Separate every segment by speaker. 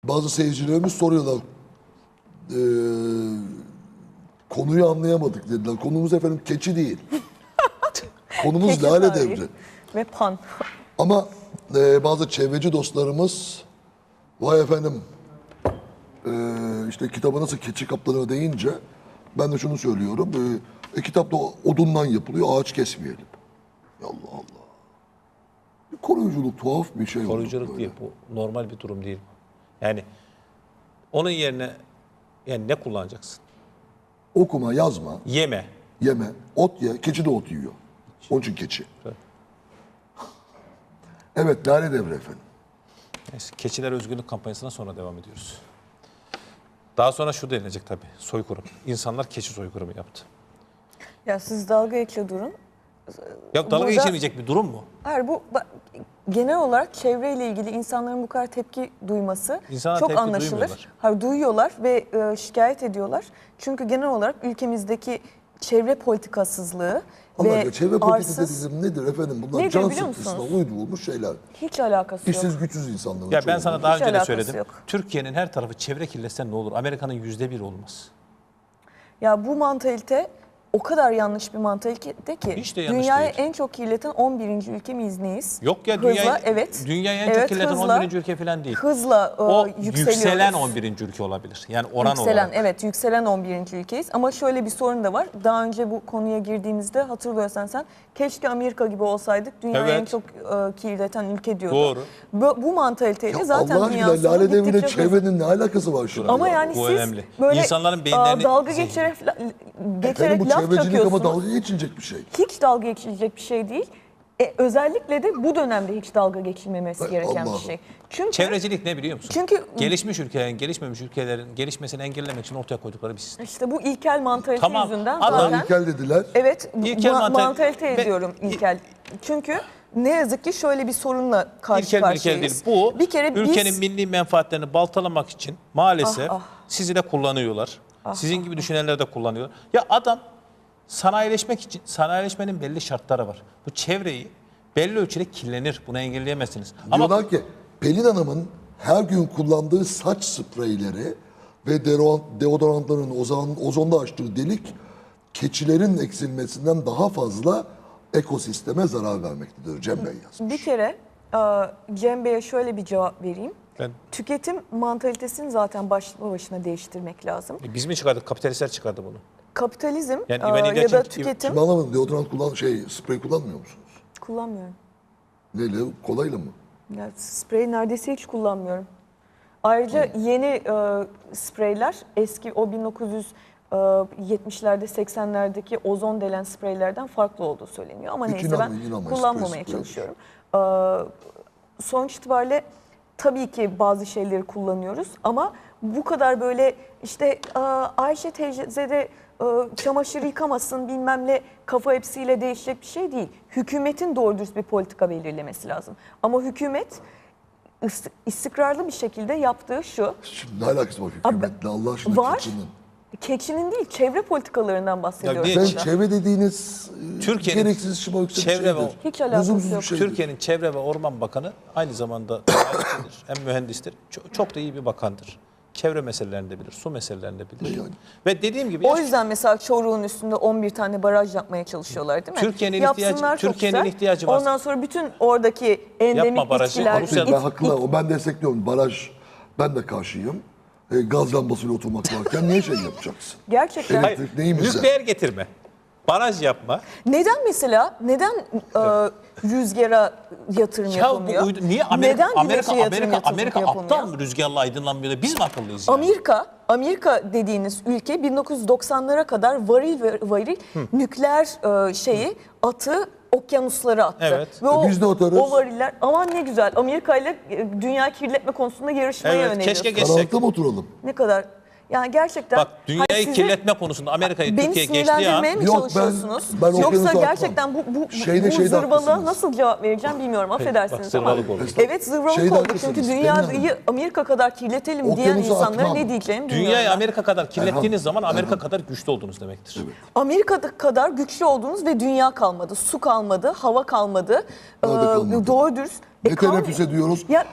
Speaker 1: Bazı seyircilerimiz soruyorlar. Konuyu anlayamadık dediler. Konumuz efendim keçi değil. Konumuz
Speaker 2: Keçi
Speaker 1: Lale
Speaker 2: tarihi
Speaker 1: Devri.
Speaker 2: ve pan.
Speaker 1: Ama bazı çevreci dostlarımız vay efendim işte kitabı nasıl keçi kaplanıyor deyince ben de şunu söylüyorum. Kitapta odundan yapılıyor, ağaç kesmeyelim. Allah Allah. Bir koruyuculuk tuhaf bir şey oldu.
Speaker 3: Koruyuculuk
Speaker 1: böyle.
Speaker 3: değil. Bu normal bir durum değil. Yani onun yerine yani ne kullanacaksın?
Speaker 1: Okuma, yazma,
Speaker 3: Yeme.
Speaker 1: yeme, ot ye. Keçi de ot yiyor. Onun için keçi.
Speaker 3: Evet.
Speaker 1: Evet, Lale Devri efendim.
Speaker 3: Neyse, keçiler özgürlük kampanyasına sonra devam ediyoruz. Daha sonra şu denilecek tabii. Soykırım. İnsanlar keçi soykırımı yaptı.
Speaker 2: Ya siz dalga geçiyor durun.
Speaker 3: Ya dalga
Speaker 2: Burada-
Speaker 3: geçilmeyecek bir durum mu?
Speaker 2: Hayır genel olarak çevreyle ilgili insanların bu kadar tepki duyması
Speaker 3: İnsanlar
Speaker 2: çok
Speaker 3: tepki
Speaker 2: anlaşılır.
Speaker 3: duymuyorlar.
Speaker 2: Hayır, duyuyorlar ve şikayet ediyorlar. Çünkü genel olarak ülkemizdeki çevre politikasızlığı
Speaker 1: Allah
Speaker 2: ve
Speaker 1: aşkına çevre politikası
Speaker 2: arsız
Speaker 1: dediğim nedir efendim? Bunlar
Speaker 2: Nedir
Speaker 1: can
Speaker 2: biliyor
Speaker 1: sıkıntısına
Speaker 2: musunuz?
Speaker 1: uydurulmuş şeyler.
Speaker 2: hiç alakası yok.
Speaker 1: İşsiz güçsüz insanların
Speaker 3: Ya ben
Speaker 1: çoğu.
Speaker 3: sana daha
Speaker 2: Hiç
Speaker 3: önce de
Speaker 2: alakası
Speaker 3: söyledim.
Speaker 2: yok.
Speaker 3: Türkiye'nin her tarafı çevre kirletse ne olur? Amerika'nın %1 olmaz.
Speaker 2: Ya bu mantalite o kadar yanlış bir mantalite ki
Speaker 3: Hiç de yanlış
Speaker 2: dünyayı
Speaker 3: değil.
Speaker 2: en çok kirleten 11. ülke miyiz neyiz?
Speaker 3: Yok ya
Speaker 2: Hızla,
Speaker 3: dünyayı,
Speaker 2: evet.
Speaker 3: dünyayı en çok
Speaker 2: Evet,
Speaker 3: kirleten
Speaker 2: hızla-
Speaker 3: 11. ülke falan değil.
Speaker 2: Hızla
Speaker 3: O
Speaker 2: yükseliyoruz.
Speaker 3: yükselen 11. ülke olabilir. Yani oran
Speaker 2: Yükselen,
Speaker 3: olarak.
Speaker 2: evet, yükselen 11. ülkeyiz. Ama şöyle bir sorun da var. Daha önce bu konuya girdiğimizde hatırlıyorsan sen, keşke Amerika gibi olsaydık. Dünyayı
Speaker 3: Evet.
Speaker 2: en çok kirleten ülke diyordu.
Speaker 3: Doğru.
Speaker 2: Bu mantaliteyle
Speaker 1: Ya
Speaker 2: zaten
Speaker 1: Allah
Speaker 2: dünya
Speaker 1: aşkına Lale
Speaker 2: sonu
Speaker 1: Devri'yle
Speaker 2: gittikçe hızlı.
Speaker 1: çevrenin ne alakası var şimdi?
Speaker 2: Ama
Speaker 1: ya?
Speaker 2: yani
Speaker 3: Bu
Speaker 2: siz
Speaker 3: önemli.
Speaker 2: böyle
Speaker 3: İnsanların beyinlerini
Speaker 2: dalga
Speaker 3: zehirli.
Speaker 2: geçerek
Speaker 1: Efendim bu
Speaker 2: laf
Speaker 1: çevrecilik ama
Speaker 2: çakıyorsunuz.
Speaker 1: dalga geçilecek bir şey.
Speaker 2: Hiç dalga geçilecek bir şey değil. Özellikle de bu dönemde hiç dalga geçilmemesi
Speaker 1: Hay
Speaker 2: gereken bir
Speaker 1: Allah.
Speaker 2: şey. Çünkü
Speaker 3: Çevrecilik ne biliyor musun?
Speaker 2: Çünkü-
Speaker 3: gelişmiş ülkelerin, gelişmemiş ülkelerin gelişmesini engellemek için ortaya koydukları bir sistem.
Speaker 2: işte bu ilkel mantalite
Speaker 3: Tamam,
Speaker 2: yüzünden
Speaker 3: adam-
Speaker 2: zaten...
Speaker 1: İlkel dediler.
Speaker 2: Evet,
Speaker 3: İlkel
Speaker 2: mantalite
Speaker 3: ve-
Speaker 2: ediyorum ilkel. Çünkü ne yazık ki şöyle bir sorunla karşı
Speaker 3: İlkel milkel değil.
Speaker 2: karşıyayız.
Speaker 3: Bu
Speaker 2: bir kere
Speaker 3: ülkenin
Speaker 2: biz
Speaker 3: milli menfaatlerini baltalamak için maalesef
Speaker 2: Ah, ah.
Speaker 3: sizi de kullanıyorlar. Sizin gibi düşünenler de kullanıyor. Ya adam sanayileşmek için, sanayileşmenin belli şartları var. Bu çevreyi belli ölçüde kirlenir. Bunu engelleyemezsiniz. Ama
Speaker 1: Diyorlar ki Pelin Hanım'ın her gün kullandığı saç spreyleri ve deodorantların ozonda açtığı delik keçilerin eksilmesinden daha fazla ekosisteme zarar vermektedir. Cem Bey yazmış.
Speaker 2: bir kere Cem Bey'e şöyle bir cevap vereyim.
Speaker 3: Ben-
Speaker 2: Tüketim mantalitesini zaten başlı başına değiştirmek lazım.
Speaker 3: biz mi çıkardık? Kapitalistler çıkardı bunu.
Speaker 2: Kapitalizm
Speaker 3: Yani
Speaker 2: ya
Speaker 3: İvan
Speaker 2: da
Speaker 3: İlyaç'ın-
Speaker 2: tüketim
Speaker 1: Şimdi anlamadım deodorant sprey kullanmıyor musunuz?
Speaker 2: kullanmıyorum.
Speaker 1: Neyle? Kolayla mı?
Speaker 2: Ya, spreyi neredeyse hiç kullanmıyorum. Ayrıca yeni spreyler eski o 1970'lerde 80'lerdeki ozon delen spreylerden farklı olduğu söyleniyor. Ama
Speaker 1: Hiç
Speaker 2: neyse ben
Speaker 1: inanmayın,
Speaker 2: kullanmamaya
Speaker 1: sprey.
Speaker 2: çalışıyorum. Sonuç itibariyle tabii ki bazı şeyleri kullanıyoruz ama bu kadar böyle işte Ayşe teyze de çamaşır yıkamasın bilmem ne kafa hepsiyle değişecek bir şey değil. Hükümetin doğru dürüst bir politika belirlemesi lazım. Ama hükümet istikrarlı bir şekilde yaptığı şu.
Speaker 1: Şimdi ne alakası var hükümetle Allah aşkına
Speaker 2: Var.
Speaker 1: keçinin?
Speaker 2: Keçinin değil çevre politikalarından bahsediyoruz.
Speaker 3: niye-
Speaker 1: Ben
Speaker 2: burada.
Speaker 1: çevre dediğiniz
Speaker 3: Türkiye'nin
Speaker 1: gereksiz şımarıkça bir
Speaker 3: çevre ve-
Speaker 1: şeydir.
Speaker 2: Hiç alakası
Speaker 1: Lüzumsuz
Speaker 2: yok.
Speaker 1: bir şeydir.
Speaker 3: Türkiye'nin Çevre ve Orman Bakanı aynı zamanda tarihçidir, hem mühendistir. Çok da iyi bir bakandır. Çevre meselelerini de bilir, su meselelerini de bilir.
Speaker 1: Yani.
Speaker 3: Ve dediğim gibi
Speaker 2: O yüzden mesela Çoruh'un üstünde 11 tane baraj yapmaya çalışıyorlar değil mi?
Speaker 3: Türkiye'nin
Speaker 2: Yapsınlar,
Speaker 3: ihtiyacı-
Speaker 2: çok
Speaker 3: Türkiye'nin
Speaker 2: güzel.
Speaker 3: ihtiyacı var.
Speaker 2: Ondan sonra bütün oradaki endemik
Speaker 3: Yapma barajı,
Speaker 2: bitkiler...
Speaker 3: Rusya'da-
Speaker 1: Ben haklı, ben destekliyorum. Baraj, ben de karşıyım. Gaz lambasıyla oturmak varken niye şey yapacaksın?
Speaker 2: Gerçekten.
Speaker 1: Evet. Elektrik neyimize?
Speaker 3: nükleer getirme. Baraj yapma.
Speaker 2: Neden mesela, neden rüzgara yatırım
Speaker 3: Ya
Speaker 2: yapılmıyor?
Speaker 3: bu niye Amerika
Speaker 2: Neden güneşe yatırım
Speaker 3: Amerika
Speaker 2: yapılmıyor?
Speaker 3: aptal mı rüzgarla aydınlanmıyor da biz mi akıllıyız yani?
Speaker 2: Amerika dediğiniz ülke 1990'lara kadar varil ve varil nükleer atı okyanuslara attı.
Speaker 3: Evet.
Speaker 2: Ve o,
Speaker 1: Biz de atarız.
Speaker 2: o variller aman ne güzel Amerika ile dünya kirletme konusunda yarışmaya
Speaker 3: Evet,
Speaker 2: yöneliyoruz.
Speaker 3: keşke geçsek.
Speaker 1: Karanlıkta mı oturalım?
Speaker 2: Ne kadar yani gerçekten
Speaker 3: Bak dünyayı
Speaker 2: hani size-
Speaker 3: kirletme konusunda Amerika'yı
Speaker 2: beni
Speaker 3: Türkiye geçtiği
Speaker 2: sinirlendirmeye
Speaker 3: an
Speaker 2: mi
Speaker 1: Yok,
Speaker 2: çalışıyorsunuz?
Speaker 1: ben okyanusa
Speaker 2: Yoksa
Speaker 1: atmam.
Speaker 2: gerçekten bu
Speaker 1: Şeyde
Speaker 2: zırvalığa
Speaker 1: haklısınız.
Speaker 2: nasıl cevap vereceğim bilmiyorum. Affedersiniz ama.
Speaker 3: zırvalık oldu.
Speaker 2: Evet zırvalık
Speaker 1: Şeyde
Speaker 2: oldu.
Speaker 1: haklısınız,
Speaker 2: Çünkü
Speaker 1: Pelin
Speaker 2: dünyayı
Speaker 1: Hanım.
Speaker 2: Amerika kadar kirletelim diyen
Speaker 1: Okyanusa
Speaker 2: insanlara
Speaker 1: atmam.
Speaker 2: ne diyeceğimi bilmiyorum.
Speaker 3: dünyayı
Speaker 2: ben.
Speaker 3: Amerika kadar kirlettiğiniz zaman Amerika kadar güçlü oldunuz demektir.
Speaker 2: Amerika kadar güçlü oldunuz ve dünya kalmadı. Su kalmadı, hava kalmadı.
Speaker 1: Nerede kalmadı?
Speaker 2: Doğru dürüst.
Speaker 1: Ne
Speaker 2: kalmıyor.
Speaker 1: teneffüs ediyoruz?
Speaker 2: Ya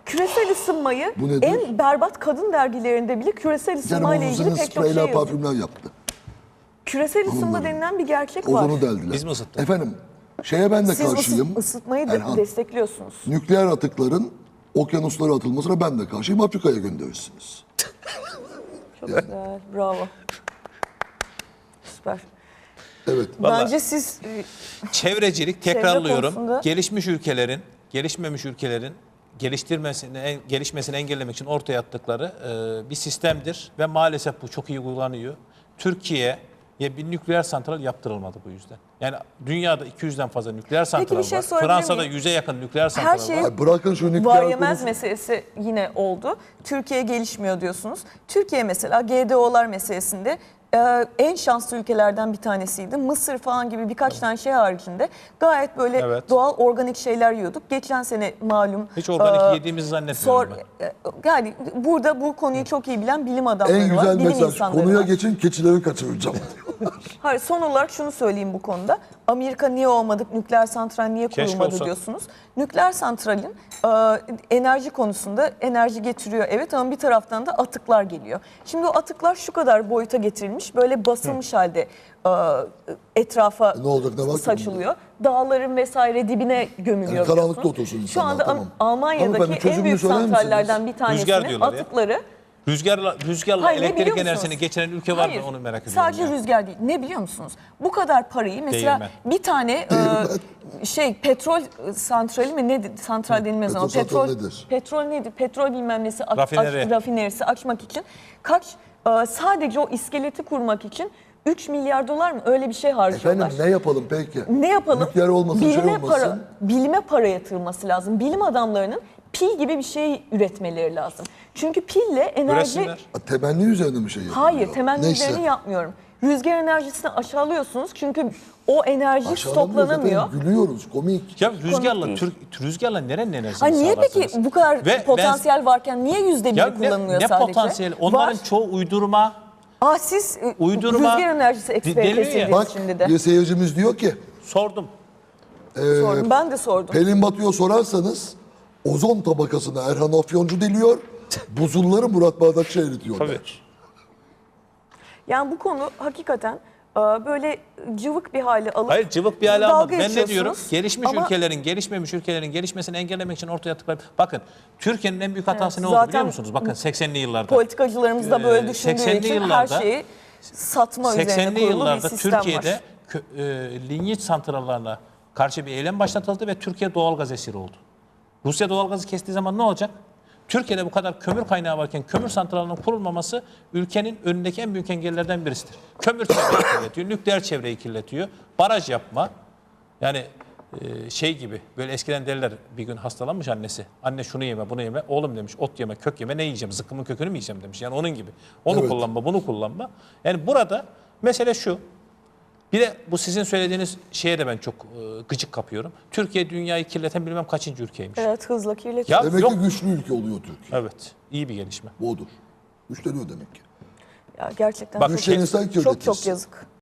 Speaker 2: küresel ısınmayı
Speaker 1: Bu nedir?
Speaker 2: en berbat kadın dergilerinde bile küresel ısınmayla
Speaker 1: Yani
Speaker 2: ilgili
Speaker 1: uzun
Speaker 2: pek çok şey
Speaker 1: spreyler,
Speaker 2: yazıyor.
Speaker 1: parfümler yaptı.
Speaker 2: Küresel ısınma
Speaker 1: Hanımların.
Speaker 2: denilen bir gerçek var.
Speaker 1: Ozonu deldiler.
Speaker 3: Biz mi ısıttık?
Speaker 1: Efendim, şeye ben de
Speaker 2: Siz
Speaker 1: karşıyım.
Speaker 2: ısıtmayı
Speaker 1: Erhan,
Speaker 2: destekliyorsunuz.
Speaker 1: nükleer atıkların okyanuslara atılmasına ben de karşıyım. Afrika'ya gönderirsiniz.
Speaker 2: Çok güzel, bravo. Süper.
Speaker 1: Evet.
Speaker 3: Vallahi-
Speaker 2: Bence siz
Speaker 3: Çevrecilik,
Speaker 2: Çevre
Speaker 3: tekrarlıyorum.
Speaker 2: konusunda-
Speaker 3: Gelişmiş ülkelerin, gelişmemiş ülkelerin gelişmesini engellemek için ortaya attıkları bir sistemdir ve maalesef bu çok iyi uygulanıyor. Türkiye'ye bir nükleer santral yaptırılmadı bu yüzden. Yani dünyada 200'den fazla nükleer santral
Speaker 2: bir şey
Speaker 3: var.
Speaker 2: sorabilir
Speaker 3: Fransa'da
Speaker 2: miyim?
Speaker 3: 100'e yakın nükleer
Speaker 2: Her
Speaker 3: santral
Speaker 2: şey
Speaker 3: var.
Speaker 1: Ay bırakın şu
Speaker 2: var
Speaker 1: nükleer
Speaker 2: yemez
Speaker 1: konusu.
Speaker 2: meselesi yine oldu. Türkiye gelişmiyor diyorsunuz. Türkiye mesela GDO'lar meselesinde en şanslı ülkelerden bir tanesiydi. Mısır falan gibi birkaç tane şey haricinde gayet böyle
Speaker 3: Evet.
Speaker 2: doğal organik şeyler yiyorduk. Geçen sene malum.
Speaker 3: Hiç organik yediğimizi zannetmiyorum
Speaker 2: Yani burada bu konuyu çok iyi bilen bilim adamları
Speaker 1: En
Speaker 2: var,
Speaker 1: güzel
Speaker 2: bilim
Speaker 1: mesaj.
Speaker 2: insanları
Speaker 1: Konuya
Speaker 2: var.
Speaker 1: geçin, keçileri kaçıracağım.
Speaker 2: Hayır, son olarak şunu söyleyeyim bu konuda. Amerika niye olmadık, nükleer santral niye
Speaker 3: Keşke
Speaker 2: kurulmadı
Speaker 3: olsa.
Speaker 2: diyorsunuz. Nükleer santralin enerji konusunda enerji getiriyor evet ama bir taraftan da atıklar geliyor. Şimdi o atıklar şu kadar boyuta getirilmiş, böyle basılmış halde etrafa
Speaker 1: Ne olacak, ne var ki
Speaker 2: saçılıyor. Dağların vesaire dibine gömülüyor.
Speaker 1: Yani karanlıkta
Speaker 2: biliyorsunuz.
Speaker 1: otursun
Speaker 2: Şu
Speaker 1: insanlar,
Speaker 2: anda
Speaker 1: tamam.
Speaker 2: Almanya'daki
Speaker 1: Hanımefendi,
Speaker 2: en
Speaker 1: çözümünü
Speaker 2: büyük
Speaker 1: söyler misiniz?
Speaker 2: santrallerden bir
Speaker 3: Rüzgar
Speaker 2: tanesinin
Speaker 3: diyorlar ya.
Speaker 2: atıkları...
Speaker 3: Rüzgarla
Speaker 2: Hayır, ne
Speaker 3: elektrik
Speaker 2: biliyor
Speaker 3: enerjisini
Speaker 2: musunuz?
Speaker 3: geçiren ülke var
Speaker 2: Hayır,
Speaker 3: mı onu merak ediyorum.
Speaker 2: sadece
Speaker 3: yani.
Speaker 2: rüzgar değil. Ne biliyor musunuz? Bu kadar parayı mesela
Speaker 3: Değirmen.
Speaker 2: bir tane petrol santrali mi ne santral denilmez ama
Speaker 1: Petrol santrali nedir?
Speaker 2: petrol nedir? Petrol bilmem nesi
Speaker 3: Rafineri.
Speaker 2: rafinerisi açmak için sadece o iskeleti kurmak için 3 milyar dolar mı öyle bir şey harcıyorlar.
Speaker 1: Efendim ne yapalım peki?
Speaker 2: Ne yapalım?
Speaker 1: Nükleer olmasın, şey olmasın.
Speaker 2: Bilime para yatırılması lazım. Bilim adamlarının pil gibi bir şey üretmeleri lazım. Çünkü pille enerji...
Speaker 3: Üretsinler.
Speaker 1: Temenni üzerine mi şey yapılıyor?
Speaker 2: Hayır, temenni
Speaker 1: Neyse.
Speaker 2: üzerine yapmıyorum. Rüzgar enerjisini aşağılıyorsunuz çünkü o enerji
Speaker 1: Aşağılamıyoruz
Speaker 2: stoklanamıyor.
Speaker 1: efendim, gülüyoruz, komik.
Speaker 3: Ya
Speaker 2: değil.
Speaker 3: rüzgarla nerenin enerjisini
Speaker 2: Ha niye
Speaker 3: sağlarsınız?
Speaker 2: peki bu kadar
Speaker 3: Ve
Speaker 2: potansiyel varken niye %1'i
Speaker 3: Ya
Speaker 2: kullanılıyor
Speaker 3: ne
Speaker 2: sadece?
Speaker 3: potansiyeli? Onların
Speaker 2: Var.
Speaker 3: çoğu uydurma.
Speaker 2: Siz
Speaker 3: Uydurma.
Speaker 2: rüzgar enerjisi
Speaker 3: Deniyor ya.
Speaker 2: ekspertisiniz
Speaker 1: Bak
Speaker 2: şimdi de.
Speaker 1: bir seyircimiz diyor ki
Speaker 3: Sordum.
Speaker 2: Sordum. Ben de sordum.
Speaker 1: Pelin Batu'ya sorarsanız ozon tabakasına Erhan Afyoncu deliyor, buzulları Murat Bardakçı eritiyor.
Speaker 3: Tabii.
Speaker 1: der.
Speaker 2: Yani bu konu hakikaten böyle cıvık bir hale alıp
Speaker 3: Hayır cıvık bir hale
Speaker 2: dalga
Speaker 3: almadı. Ben ne diyorum?
Speaker 2: geçiyorsunuz.
Speaker 3: Gelişmiş
Speaker 2: Ama
Speaker 3: ülkelerin, gelişmemiş ülkelerin gelişmesini engellemek için ortaya attıkları... Bakın Türkiye'nin en büyük hatası
Speaker 2: Evet,
Speaker 3: ne oldu
Speaker 2: zaten
Speaker 3: biliyor musunuz? Bakın 80'li yıllarda.
Speaker 2: politikacılarımız da böyle düşündüğü
Speaker 3: 80'li
Speaker 2: için her
Speaker 3: yıllarda-
Speaker 2: şeyi satma üzerine
Speaker 3: 80'li
Speaker 2: kurulu bir
Speaker 3: yıllarda
Speaker 2: sistem
Speaker 3: Türkiye'de
Speaker 2: var.
Speaker 3: linyit santrallarına karşı bir eylem başlatıldı ve Türkiye doğalgaz esiri oldu. Rusya doğalgazı kestiği zaman ne olacak? Türkiye'de bu kadar kömür kaynağı varken kömür santralının kurulmaması ülkenin önündeki en büyük engellerden birisidir. Kömür çevreyi kirletiyor, nükleer çevreyi kirletiyor, baraj yapma. Yani şey gibi böyle eskiden derler bir gün hastalanmış annesi. Anne şunu yeme bunu yeme. Oğlum demiş ot yeme kök yeme ne yiyeceğim? Zıkkımın kökünü mü yiyeceğim demiş. Yani onun gibi. Onu
Speaker 1: Evet.
Speaker 3: kullanma bunu kullanma. Yani burada mesele şu. Bir de bu sizin söylediğiniz şeye de ben çok gıcık kapıyorum. Türkiye dünyayı kirleten bilmem kaçıncı ülkeymiş.
Speaker 2: Evet, hızla kirletiyor.
Speaker 3: Ya
Speaker 1: Demek
Speaker 3: yok.
Speaker 1: ki güçlü ülke oluyor Türkiye.
Speaker 3: Evet. İyi bir gelişme.
Speaker 1: Bu odur. Güçleniyor demek ki.
Speaker 2: Ya gerçekten
Speaker 3: Bak,
Speaker 2: çok,
Speaker 1: Güçlenirsen
Speaker 2: çok
Speaker 1: kirletirsin.
Speaker 2: yazık.